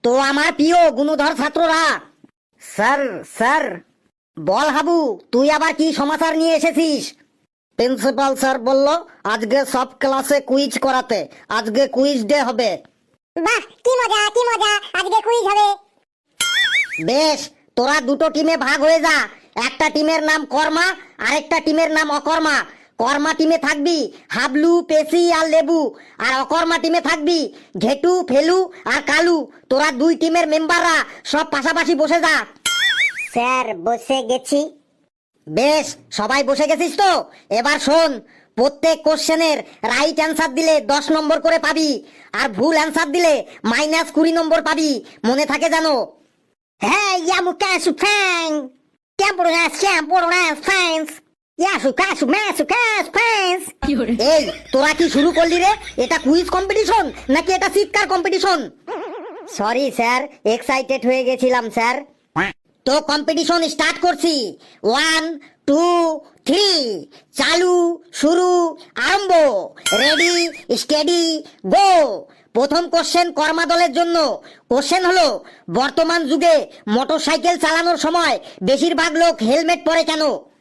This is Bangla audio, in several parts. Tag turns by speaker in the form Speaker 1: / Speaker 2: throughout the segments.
Speaker 1: তো আমার প্রিয় গুণধর ছাত্ররা, স্যার স্যার, বল হাবু, তুই আবার কি সমাচার নিয়ে এসেছিস? প্রিন্সিপাল স্যার বলল আজকে সব ক্লাসে কুইজ করাতে, আজকে কুইজ ডে হবে।
Speaker 2: বাহ, কি মজা কি মজা, আজকে কুইজ হবে।
Speaker 1: বেশ, তোরা দুটো টিমে ভাগ হয়ে যা। একটা টিমের নাম কর্মা, আরেকটা টিমের নাম অকর্মা। কর্মা টিমে থাকবি হাবলু, পেশি আর লেবু, আর অকর্মা টিমে থাকবি ঘেটু, ফেলু আর কালু। তোরা দুই টিমের মেম্বাররা সব পাশাপাশি বসে যা।
Speaker 2: স্যার, বসে গেছি।
Speaker 1: বেশ, সবাই বসে গেছিস তো? এবার শোন, প্রত্যেক কোশ্চেনের রাইট অ্যান্সার দিলে 10 নম্বর করে পাবি, আর ভুল অ্যান্সার দিলে -20 নম্বর পাবি। মনে থাকে জানো?
Speaker 2: হ্যাঁ, ইয়ামু কাসু ফ্যাং, ক্যাম্পোরাস ফ্যান্স, ইয়াসু কাসু ম্যাসু কাস ফ্যান্স।
Speaker 1: এই, তোরা কি শুরু করলি রে? এটা কুইজ কম্পিটিশন নাকি এটা চিৎকার কম্পিটিশন? সরি স্যার, এক্সাইটেড হয়ে গেছিলাম স্যার। তো কম্পিটিশন স্টার্ট করছি। 1 2 3, চালু, শুরু, আরম্ভ। Ready, steady, go. প্রথম কোশ্চেন কর্মা দলের জন্য। কোশ্চেন হলো, বর্তমান যুগে মোটরসাইকেল চালানোর সময় বেশিরভাগ লোক হেলমেট পরে কেন?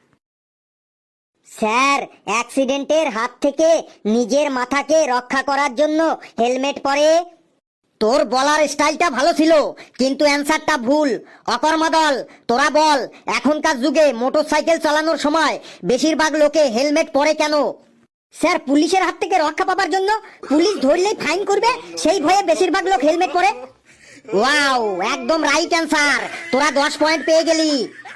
Speaker 2: স্যার, অ্যাক্সিডেন্টের হাত থেকে নিজের মাথাকে রক্ষা করার জন্য হেলমেট পরে।
Speaker 1: তোর বলার স্টাইলটা ভালো ছিল, কিন্তু অ্যান্সারটা ভুল। অকর্মা দল, তোরা বল, এখনকার যুগে মোটরসাইকেল চালানোর সময় বেশিরভাগ লোকে হেলমেট পরে কেন?
Speaker 2: স্যার, পুলিশের হাত থেকে রক্ষা পাবার জন্য। পুলিশ ধরলেই ফাইন করবে, সেই ভয়ে বেশিরভাগ লোক হেলমেট পরে।
Speaker 1: ওয়াও, একদম রাইট অ্যান্সার। তোরা 10 পয়েন্ট পেয়ে গেলি।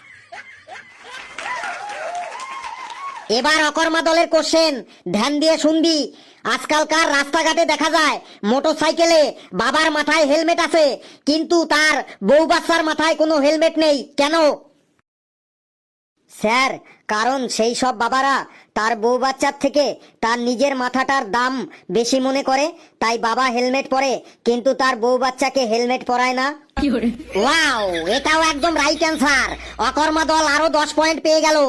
Speaker 1: এবার অকর্মা দলের কোশ্চেন, ধ্যান দিয়ে শুনবি। আজকালকার রাস্তাঘাটে দেখা যায় মোটরসাইকেলে বাবার মাথায় হেলমেট আছে, কিন্তু তার বউ বাচ্চার মাথায় কোনো হেলমেট নেই কেন?
Speaker 2: স্যার, কারণ সেই সব বাবারা তার বউ বাচ্চার থেকে তার নিজের মাথাটার দাম বেশি মনে করে, তাই বাবা হেলমেট পরে কিন্তু তার বউ বাচ্চাকে হেলমেট পরায় না।
Speaker 1: ওয়াও, এটাও একদম রাইট অ্যান্সার। অকর্মা দল আরো 10 পয়েন্ট পেয়ে গেল।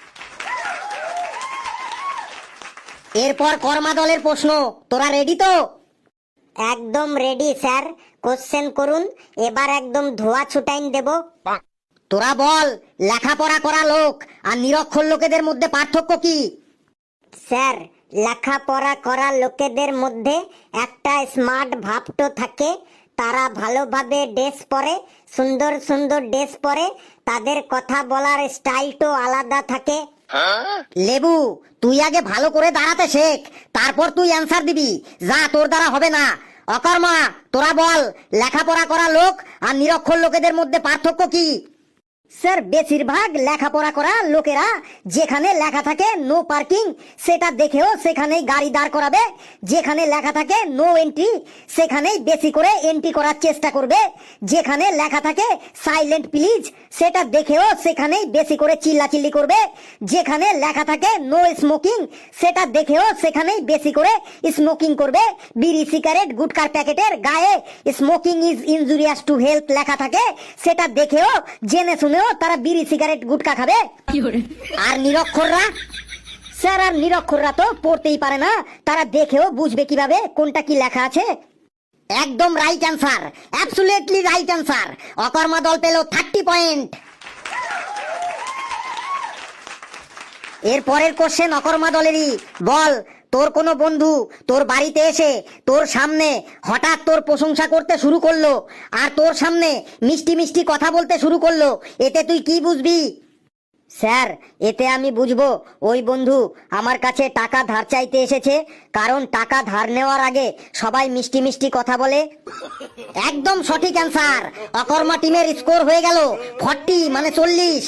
Speaker 1: এরপর কর্মা দলের প্রশ্ন, তোরা রেডি তো?
Speaker 2: একদম রেডি স্যার, কোশ্চেন করুন, এবার একদম ধোয়া ছুটাইন দেব।
Speaker 1: তোরা বল, লেখাপড়া করা লোক আর নিরক্ষর লোকেদের মধ্যে পার্থক্য কি?
Speaker 2: স্যার, লেখাপড়া করা লোকেদের মধ্যে একটা স্মার্ট ভাব তো থাকে। তারা ভালোভাবে ড্রেস পরে, সুন্দর সুন্দর ড্রেস পরে, তাদের কথা বলার স্টাইলটা আলাদা থাকে।
Speaker 1: লেবু, তুই আগে ভালো করে দাঁড়াতে শেখ, তারপর তুই অ্যান্সার দিবি। যা, তোর দ্বারা হবে না। অকর্মা, তোরা বল, লেখাপড়া করা লোক আর নিরক্ষর লোকেদের মধ্যে পার্থক্য কি?
Speaker 2: স্যার, বেশিরভাগ লেখাপড়া করা লোকেরা যেখানে লেখা থাকে নো পার্কিং, সেটা দেখেও সেখানেই গাড়ি দাঁড় করাবে। যেখানে লেখা থাকে নো এন্ট্রি, সেখানেই বেশি করে এন্ট্রি করার চেষ্টা করবে। যেখানে লেখা থাকে সাইলেন্ট প্লিজ, সেটা দেখেও সেখানেই বেশি করে চিল্লাচিল্লি করবে। যেখানে লেখা থাকে নো স্মোকিং, সেটা দেখেও সেখানেই বেশি করে স্মোকিং করবে। বিড়ি, সিগারেট, গুটকার প্যাকেটের গায়ে smoking is injurious to health লেখা থাকে, সেটা দেখেও জেনে শুনেও তারা বিড়ি, সিগারেট, গুটকা খাবে।
Speaker 1: আর নিরক্ষররা?
Speaker 2: স্যার, আর নিরক্ষররা তো পড়তেই পারে না, তারা দেখেও বুঝবে কিভাবে কোনটা কি লেখা আছে।
Speaker 1: একদম right answer, absolutely right answer. অকর্মা দল পেল 30 পয়েন্ট। এর পরের কোশ্চেন অকর্মা দলেরই। বল, তোর কোনো বন্ধু তোর বাড়িতে এসে তোর সামনে হঠাৎ তোর প্রশংসা করতে শুরু করলো, আর তোর সামনে মিষ্টি মিষ্টি কথা বলতে শুরু করলো, এতে তুই কি বুঝবি?
Speaker 2: স্যার, এতে আমি বুঝবো ওই বন্ধু আমার কাছে টাকা ধার চাইতে এসেছে, কারণ টাকা ধার নেওয়ার আগে সবাই মিষ্টি মিষ্টি কথা বলে।
Speaker 1: একদম সঠিক অ্যান্সার। অকর্মা টিমের স্কোর হয়ে গেল 40, মানে 40।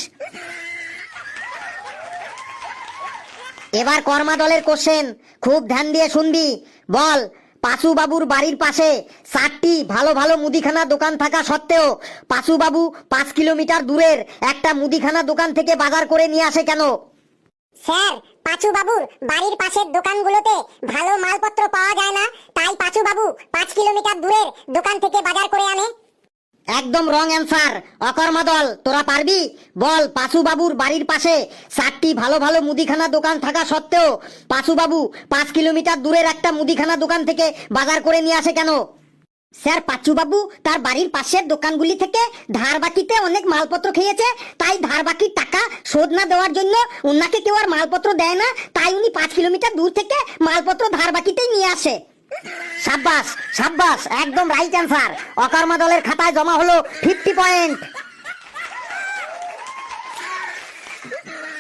Speaker 1: এবার কর্মা দলের কোশ্চেন, খুব ধ্যান দিয়ে শুনবি। বল, পাশু বাবুর বাড়ির পাশে 4টি ভালো ভালো মুদিখানা দোকান থাকা সত্ত্বেও পাশু বাবু 5 কিলোমিটার দূরের একটা মুদিখানা দোকান থেকে বাজার করে নিয়ে আসে কেন?
Speaker 2: স্যার, পাঁচু বাবুর বাড়ির পাশের দোকানগুলোতে ভালো মালপত্র পাওয়া যায় না, তাই পাঁচু বাবু 5 কিলোমিটার দূরের দোকান থেকে বাজার করে আনে।
Speaker 1: একদম রং অ্যান্সার। অকর্মা দল, তোরা পারবি? বল, পাশু বাবুর বাড়ির পাশে 4টি ভালো ভালো মুদিখানা দোকান থাকা সত্ত্বেও পাশু বাবু 5 কিলোমিটার দূরের একটা মুদিখানা দোকান থেকে বাজার করে নিয়ে আসে কেন? স্যার পাচ্চু বাবু তার বাড়ির পাশের দোকানগুলি থেকে ধার বাকিতে অনেক মালপত্র খেয়েছে, তাই ধার বাকির টাকা শোধ না দেওয়ার জন্য উনাকে কেউ আর মালপত্র দেয় না, তাই উনি 5 কিলোমিটার দূর থেকে মালপত্র ধার বাকিতেই নিয়ে আসে। সাব্বাস সাব্বাস, একদম রাইট অ্যান্সার। অকর্মা দলের খাতায় জমা হলো 50 পয়েন্ট।